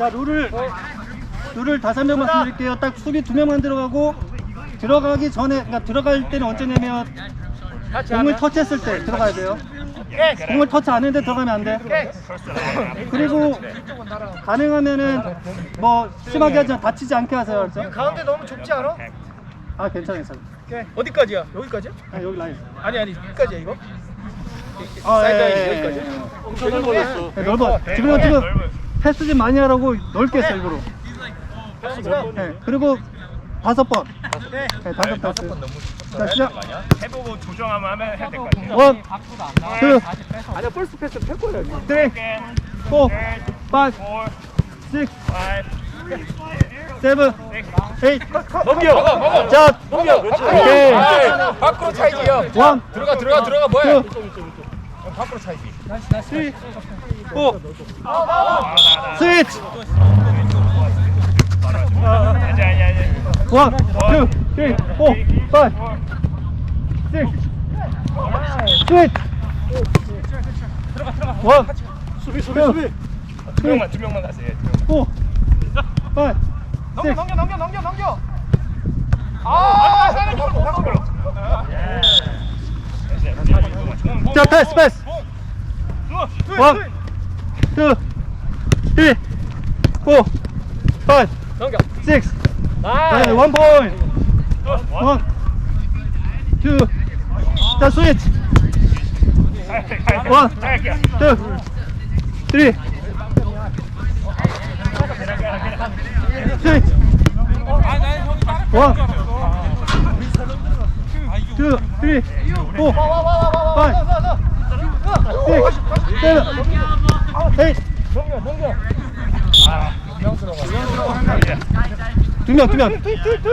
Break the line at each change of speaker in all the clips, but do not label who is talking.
자, 룰을 5명 말씀드릴게요. 딱 수비 2명만 들어가고 들어가기 전에, 그러니까 들어갈 때는 언제냐면 공을 터치했을 때 들어가야 돼요. 공을 터치 안 했는데 들어가면 안 돼. 그리고 가능하면은 뭐 심하게 하지 다치지 않게 하세요. 알죠?
가운데 너무 좁지 않아?
아, 괜찮아.
어디까지야? 여기까지야?
아, 여기 라인.
아니 여기까지야 이거?
아,
사이드 라인
예,
여기까지?
엄청 넓어졌어. 넓어. 지금 패스 좀 많이 하라고 넓게 했어, 일부러. 네, 그리고 5번. 네, 5번. 자, 시작.
해보고 조정하면 해야 될 것 같아요.
1, 2,
아니야 펄스 패스 펼 거야.
3, 4, 5, 6, 7, 8.
넘겨.
자,
넘겨.
오케이.
밖으로 차이지요.
1,
들어가 뭐야?
2,
밖으로 차이지.
3, 4. 스위치. 1, 2, 3, 4, 5, 6, 7. 스위치. 1,
두 명만 가세요.
4, 5, 6.
넘겨. 아,
자, 패스. 1, 2, 3, 4, 5,
넘겨.
6.
나이스.
1 포인트. 1, 2. 자, 스위치. 1, 2, 3. 스위치. 1, 2, 3, 4, 5, 6, 7, 8. 두 명. 1, 2,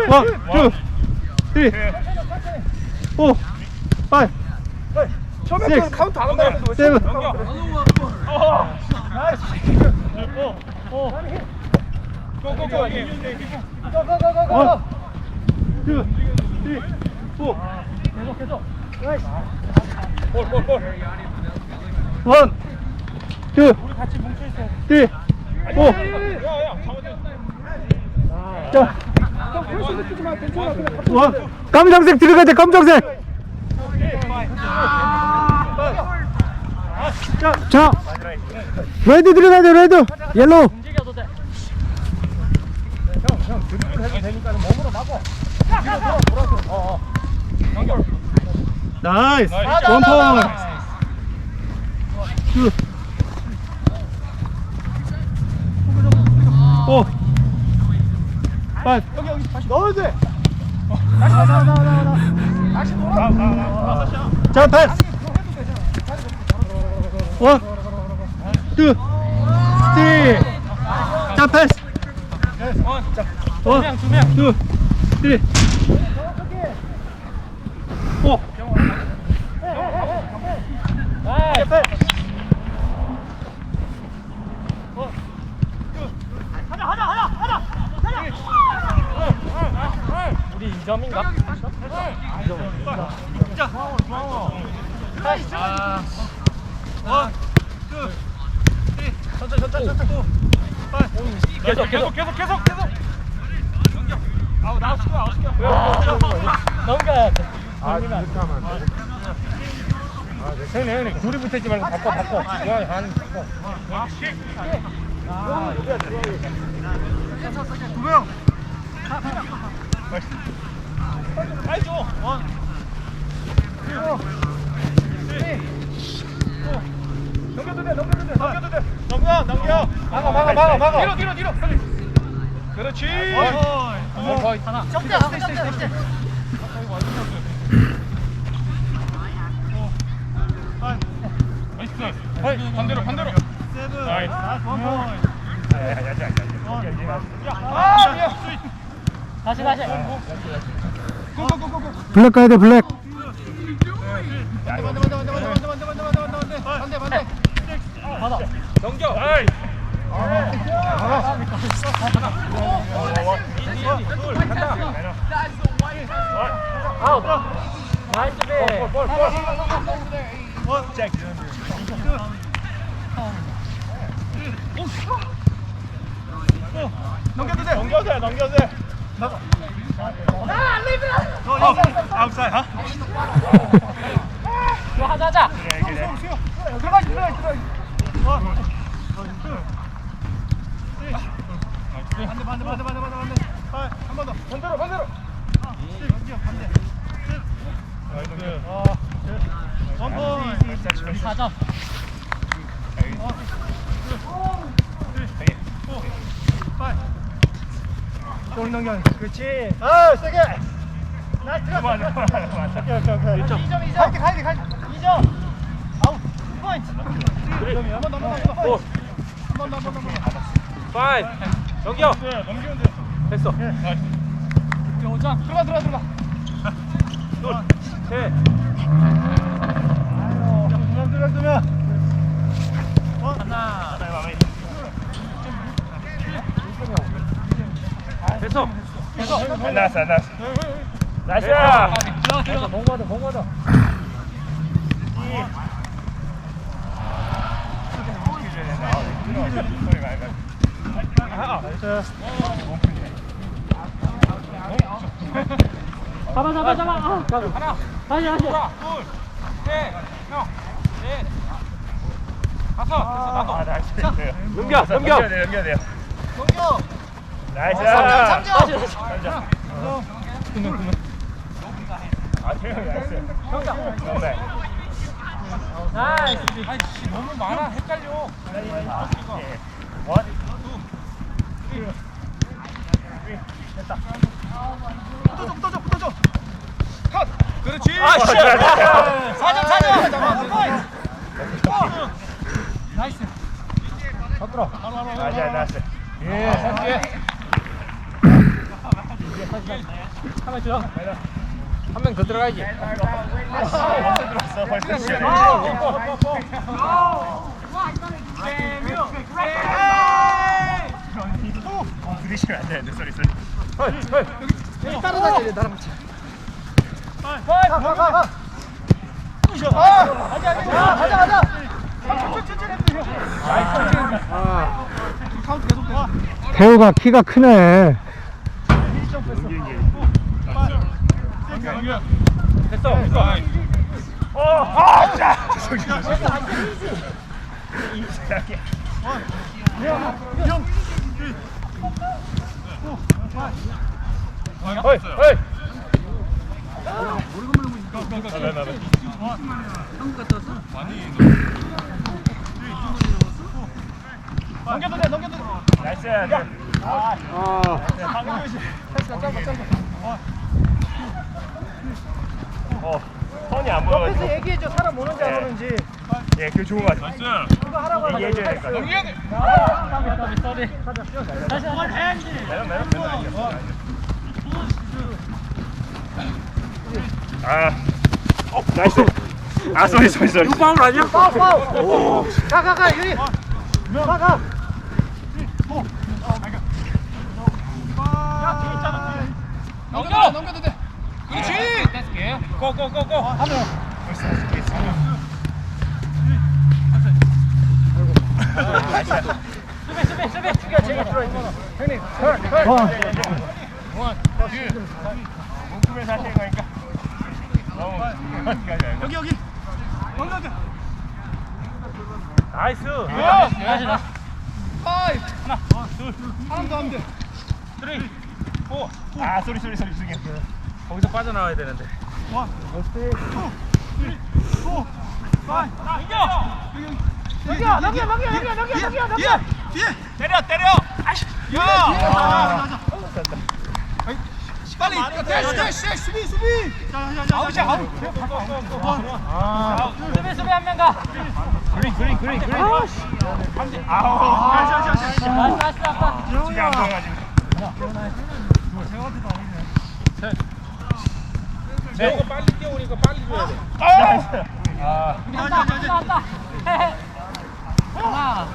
3, 4, 5,
처음에
6,
카운트 안 한다 했는데
7.
고고고.
1, 2, 3, 4.
볼.
1, 2, 3, 4. 자, 검정색 들어가야 돼. 검정색. 자, 레드 들어가야 돼. 레드. 옐로우. 나이스. 1 포인트. 2, 5, 8.
넣어야 돼. 다시 돌아.
자, 패스. 1, 2, 3. 자, 패스. 1, 2, 3. 4.
우리 2점인가? 계속. 넘겨야 돼.
이렇게 하면 안 돼. 형님, 둘이 붙어있지 말고 바꿔. 하는 바꿔.
두 명.
빨리 줘. 넘겨도 돼. 넘겨. 막아. 뒤로. 그렇지.
하나.
나이스. 반대로. 나이스.
다시.
블랙 가야 돼. 블랙.
반대. 받아.
넘겨.
아웃. 나이스 배.
볼. 넘겨도 돼. 넘겨도 돼. 나가. 아웃사이드.
좋아, 하자.
그래.
들어가지. 반대. 한 번 더.
반대로.
원포.
4점.
좀 넘겨. 그렇지. 아, 세게. 나이스.
맞아.
오케이. 2점. 갈게. 2점. 아웃. 2포인트. 한번 더.
오.
한번 더.
5. 넘겨. 넘기면 돼. 됐어. 나이스.
5점.
들어가.
둘. 셋.
두명.
하나.
됐어. 안 나왔어. 나이스.
들어가.
공 맞아.
잡아. 아,
하나.
다시.
둘. 셋. 형. 넷. 다섯. 됐어. 나도.
나이스.
넘겨.
넘겨야 돼요.
넘겨.
나이스.
다시.
아, 태형이 나이스. 네.
나이스.
아이씨 너무 많아. 헷갈려.
원.
붙어줘.
컷. 그렇지.
아, 씨.
4점. 나이스.
나이스.
한번 줘.
한 명 더 들어가야지.
먼저 들었어. 벌써 시작해. 부딪히면 안 되는데, 소리.
따라다녀야 돼, 나랑 같이. 가. 가자. 카운트 계속 돼.
태우가 키가 크네.
됐어. 어이.
넘겨도 돼.
나이스. 선이 안
옆에서
보여가지고.
얘기해줘. 사람 오는지 안 오는지.
예, 그거 좋은 거 같아.
그거 하라고 하면
얘기해줘야 될 것 같아.
쏘리. 다시.
매너. 나이스. 아, 쏘리.
파울 아니야?
파울. 가, 유리. 가.
넘겨도 돼. 그렇지. 떼스게. 고.
수비.
형님.
몸품에서 하시는 거니까.
여기. 넘겨.
나이스.
다시.
하나, 둘. 하나 더 하면 돼.
3. 4.
아, 쏘리. 중에.
거기서 빠져나와야 되는데.
1, 2, 3, 4, 5. 넘겨.
때려. 아이씨.
야. 빨리. 수비. 아웃이야.
수비 한 명 가.
그린. 아우.
나이스 아빠.
진짜 안 보여가지고.
재호가 빨리 뛰어오니까 빨리 줘야 돼.
나왔다. 하나.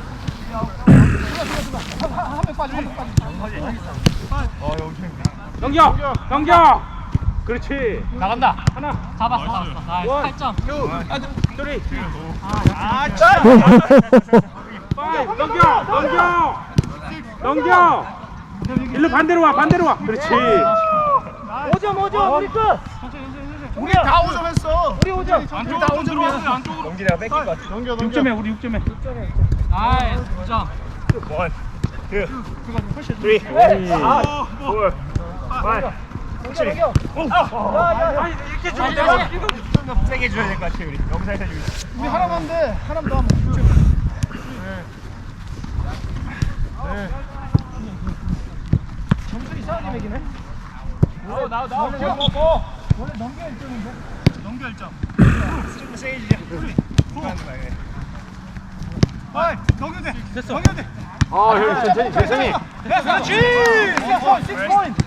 넘겨. 그렇지.
나간다.
하나.
잡았어. 나이스. 8점.
3. 5. 넘겨.
넘겨. 일로 반대로 와, 반대로 와. 그렇지.
5점 우리 끝.
우리 다 5점 했어.
우리 5점.
안쪽으로 다 5점이야. 안쪽으로.
넘기다가 뺏길 것 같아.
넘겨.
6점에 우리 6점에.
나이스 9점
1, 2, 3, 4, 5. 확실히.
이렇게 주면 되지
좀 세게 줘야 될 것 같아 우리. 너무 살살 주기.
우리 하나만 돼. 하나만 더 하면 6점. 점수 이상하게 매기네. 나와. 원래 넘겨 1점인데. 넘겨 1점.
좀 세게 주자.
넘겨 돼.
됐어.
넘겨 돼.
아, 형 천천히.
그렇지. 6포인트.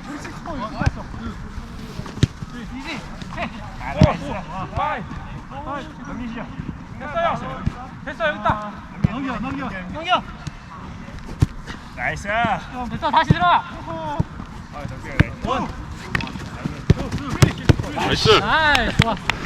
넘기시죠.
됐어 여기 있다. 넘겨.
나이스.
됐어 다시 들어가
아, 덕기가 나이스.
나이스 좋아